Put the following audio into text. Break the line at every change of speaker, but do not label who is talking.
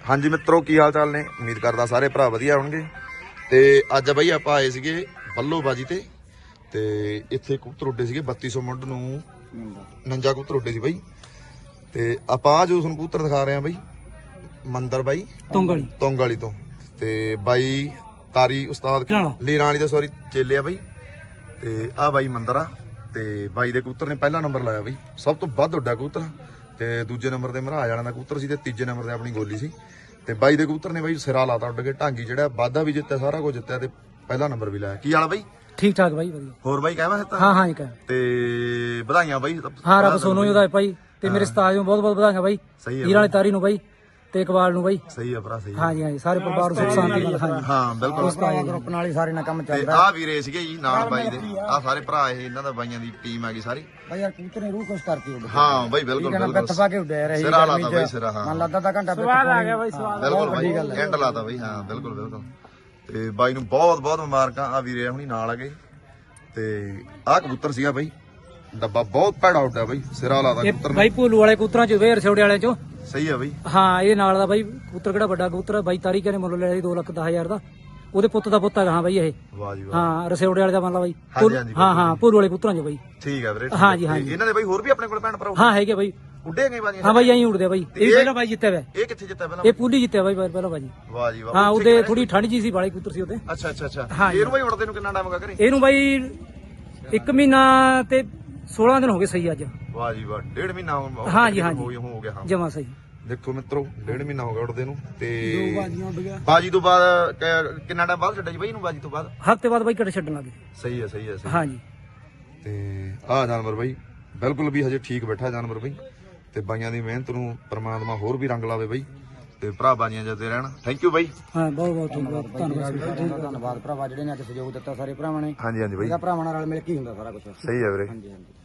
ਹਾਂਜੀ ਮਿੱਤਰੋ, ਕੀ ਹਾਲ ਚਾਲ ਨੇ? ਉਮੀਦ ਕਰਦਾ ਸਾਰੇ ਭਰਾ ਵਧੀਆ ਹੋਣਗੇ। ਤੇ ਅੱਜ ਬਾਈ ਆਪਾਂ ਆਏ ਸੀਗੇ ਬੱਲੋਬਾਜੀ ਤੇ ਇੱਥੇ ਕਬੂਤਰ ਉੱਡੇ ਸੀਗੇ 3200 ਮੁੱਢ ਨੂੰ 49 ਕਬੂਤਰ ਉੱਡੇ ਸੀ ਬਾਈ। ਤੇ ਆਪਾਂ ਆ ਜੋ ਤੁਹਾਨੂੰ ਕਬੂਤਰ ਦਿਖਾ ਰਹੇ ਆ ਬਾਈ, ਮੰਦਰ ਬਾਈ ਤੁੰਗ ਵਾਲੀ ਤੋਂ। ਤੇ ਬਾਈ ਤਾਰੀ ਉਸਤਾਦ ਲੀਰਾਂ ਵਾਲੀ ਦਾ ਸੌਰੀ ਚੇਲੇ ਆ ਬਾਈ। ਤੇ ਆ ਬਾਈ ਮੰਦਰ ਆ ਤੇ ਬਾਈ ਦੇ ਕਬੂਤਰ ਨੇ ਪਹਿਲਾ ਨੰਬਰ ਲਾਇਆ ਬਾਈ, ਸਭ ਤੋਂ ਵੱਧ ਉੱਡਾ ਕਬੂਤਰ। ਤੇ ਦੂਜੇ ਨੰਬਰ ਤੇ ਮਹਾਰਾਜ ਵਾਲਿਆਂ ਦਾ ਕਬੂਤਰ ਸੀ ਤੇ ਤੀਜੇ ਨੰਬਰ ਤੇ ਆਪਣੀ ਗੋਲੀ ਸੀ। ਤੇ ਬਾਈ ਦੇ ਕਬੂਤਰ ਨੇ ਬਾਈ ਸਿਰਾ ਲਾਤਾ ਉੱਡ ਕੇ, ਢਾਂਗੀ ਜਿਹੜਾ ਵਾਧਾ ਵੀ ਜਿੱਤਿਆ, ਸਾਰਾ ਕੁਝ ਜਿੱਤਿਆ ਤੇ ਪਹਿਲਾ ਨੰਬਰ ਵੀ ਲਾਇਆ। ਕੀ ਹਾਲ ਬਾਈ?
ਠੀਕ ਠਾਕ ਬਾਈ, ਵਧੀਆ।
ਹੋਰ ਬਾਈ ਕਹਿਵਾ ਦਿੱਤਾ?
ਹਾਂ ਜੀ ਕਹਿ।
ਤੇ ਵਧਾਈਆਂ ਬਾਈ।
ਹਾਂ ਰੱਬ ਸੋਨੂੰ ਉਹਦਾ ਭਾਈ ਤੇ ਮੇਰੇ ਉਸਤਾਦ ਨੂੰ ਬਹੁਤ ਬਹੁਤ ਵਧਾਈਆਂ ਬਾਈ।
ਸਹੀ ਹੈ
ਹੀਰਾਂ ਵਾਲੀ ਤਾਰੀ ਨੂੰ ਬਾਈ ਤੇ ਇਕਬਾਲ ਨੂੰ ਬਾਈ।
ਸਹੀ ਆ ਭਰਾ, ਸਹੀ।
ਹਾਂਜੀ ਸਾਰੇ ਪਰਿਵਾਰ ਨੂੰ ਸੁਖ ਸ਼ਾਂਤੀ ਨਾਲ।
ਹਾਂ ਬਿਲਕੁਲ,
ਗਰੁੱਪ ਨਾਲ ਹੀ ਸਾਰੇ ਨਾਲ ਕੰਮ
ਤੇ ਆ ਵੀਰੇ ਸੀਗੇ ਜੀ ਨਾਲ ਬਾਈ ਦੇ, ਆ ਸਾਰੇ ਭਰਾ ਇਹ ਇਹਨਾਂ ਦਾ ਬਾਈਆਂ ਦੀ ਟੀਮ ਆ ਗਈ ਸਾਰੀ
ਬਾਈ। ਯਾਰ ਕਬੂਤਰ ਨੇ ਰੂਹ ਖੁਸ਼ ਕਰਤੀ ਉਹ।
ਹਾਂ ਬਾਈ ਬਿਲਕੁਲ ਬਿਲਕੁਲ,
ਤਫਾ ਕੇ ਉੱਡਿਆ ਰਹੀ
ਸਿਰਾ ਲਾਤਾ ਬਾਈ, ਸਿਰਾ। ਹਾਂ
ਮਨ ਲੱਗਦਾ ਤਾਂ ਘੰਟਾ ਸਵਾਦ ਆ ਗਿਆ ਬਾਈ, ਸਵਾਦ
ਬਿਲਕੁਲ ਬਾਈ, ਐਂਡ ਲਾਤਾ ਬਾਈ। ਹਾਂ ਬਿਲਕੁਲ ਬਿਲਕੁਲ। ਤੇ ਬਾਈ ਨੂੰ ਬਹੁਤ ਬਹੁਤ ਮੁਬਾਰਕਾਂ। ਆ ਵੀਰੇ ਹੁਣੀ ਨਾਲ ਆ ਗਏ। ਤੇ ਆ ਕਬੂਤਰ ਸੀਗਾ ਬਾਈ, ਡੱਬਾ ਬਹੁਤ ਭੈੜਾ ਉੱਡਿਆ ਬਾਈ, ਸਿਰਾ ਲਾਤਾ ਕਬੂਤਰ
ਬਾਈ। ਭੂਲੂ ਵਾਲੇ ਕਬੂਤਰਾਂ ਚ ਵੇਰ ਛੋੜੇ ਵਾਲੇ ਚੋਂ।
ਸਹੀ ਆ ਬਾਈ।
ਹਾਂ ਇਹ ਨਾਲ ਦਾ ਬਾਈ ਕਬੂਤਰ ਕਿਹੜਾ ਵੱਡਾ ਕਬੂਤਰ ਬਾਈ। ਤਾਰੀ ਕਹਿੰਦੇ ਮੁੱਲ ਲਿਆ ਸੀ 2,10,000 ਦਾ। ਉਹਦੇ ਪੁੱਤ ਦਾ ਪੁੱਤ ਹੈਗਾ ਹਾਂ ਬਾਈ ਇਹ।
ਵਾਹ ਜੀ ਵਾਹ।
ਹਾਂ ਰਸੇਵੜੇ ਵਾਲੇ ਦਾ ਮੰਨ ਲਾ ਬਾਈ।
ਹਾਂਜੀ
ਹਾਂ ਭੂਲੂ ਵਾਲੇ ਕਬੂਤਰਾਂ ਚ ਬਾਈ।
ਠੀਕ ਆ ਵੀਰੇ।
ਹਾਂਜੀ
ਇਹਨਾਂ ਦੇ ਬਾਈ ਹੋਰ ਵੀ ਆਪਣੇ ਕੋਲ ਭੈਣ ਭਰਾ
ਹਾਂ ਹੈਗੇ ਬਾਈ,
ਉੱਡੇ ਗਏ ਬਾਜੀ?
ਹਾਂ ਬਾਈ ਐਂ ਉੱਡਦੇ ਬਾਈ। ਇਹ ਵੀ ਪਹਿਲਾਂ ਬਾਈ ਜਿੱਤਿਆ ਵਾ।
ਇਹ ਕਿੱਥੇ ਜਿੱਤਿਆ ਪਹਿਲਾਂ?
ਇਹ ਪੂਲੀ ਜਿੱਤਿਆ ਬਾਈ ਪਹਿਲਾਂ ਬਾਜੀ।
ਵਾਹ ਜੀ ਵਾਹ।
ਹਾਂ ਉਹਦੇ ਥੋੜੀ ਠੰਡ ਜੀ ਸੀ, ਵਾਲੇ ਕਬੂਤਰ ਸੀ ਉਹਦੇ।
ਅੱਛਾ ਅੱਛਾ ਅੱਛਾ। ਇਹਨੂੰ ਬਾਈ ਉੜਦੇ ਨੂੰ ਕਿੰਨਾ ਟਾਈਮ ਹੋ ਗਿਆ ਘਰੇ?
ਇਹਨੂੰ ਬਾਈ 1 ਮਹੀਨਾ ਤੇ 16 ਦਿਨ ਹੋ ਗਏ ਸਹੀ ਅੱਜ।
ਵਾਹ ਜੀ ਵਾਹ, 1.5 ਮਹੀਨਾ ਹੋ ਗਿਆ। ਹੋ ਗਿਆ ਹਾਂ
ਜਮਾ ਸਹੀ।
ਦੇਖੋ ਮਿੱਤਰੋ 1.5 ਮਹੀਨਾ ਹੋ ਗਿਆ ਉੱਡਦੇ ਨੂੰ। ਤੇ
ਦੋ ਬਾਜੀਆਂ ਉੱਡ ਗਿਆ।
ਬਾਜੀ ਤੋਂ ਬਾਅਦ ਕਿੰਨਾ ਟਾਈਮ ਬਾਅਦ ਛੱਡਿਆ ਜੀ ਬਾਈ ਇਹਨੂੰ? ਬਾਜੀ ਤੋਂ ਬਾਅਦ
ਹਫ਼ਤੇ ਬਾਅਦ ਬਾਈ ਘੜੇ ਛੱਡਣ ਲੱਗੇ।
ਸਹੀ ਹੈ ਸਹੀ ਹੈ ਸਹੀ।
ਹਾਂਜੀ।
ਤੇ ਆਹ ਜਾਨਵਰ ਬਾਈ ਬਿਲਕੁਲ ਵੀ ਹਜੇ ਠੀਕ ਬੈਠਾ ਜਾਨਵਰ ਬਾਈ। ਤੇ ਬਾਈਆਂ ਦੀ ਮਿਹਨਤ ਨੂੰ ਪ੍ਰਮਾਤਮਾ ਹੋਰ ਵੀ ਰੰਗ ਲਾਵੇ ਬਾਈ। ਤੇ ਭਰਾ ਬਾਜੀਆਂ ਜਿੱਤੇ ਰਹਿਣ। ਥੈਂਕ ਯੂ ਬਾਈ।
ਹਾਂ ਬਹੁਤ ਬਹੁਤ ਧੰਨਵਾਦ ਭਰਾਵਾ ਜਿਹੜੇ ਨੇ ਅੱਜ ਸਹਿਯੋਗ ਦਿੱਤਾ ਸਾਰੇ ਭਰਾਵਾਂ ਨੇ।
ਹਾਂਜੀ ਹਾਂਜੀ ਬਾਈ,
ਭਰਾਵਾਂ ਨਾਲ ਮਿਲ ਕੇ ਹੀ ਹੁੰਦਾ ਸਾਰਾ ਕੁਝ।
ਸਹੀ ਹੈ ਵੀਰੇ।
ਹਾਂਜੀ ਹਾਂਜੀ।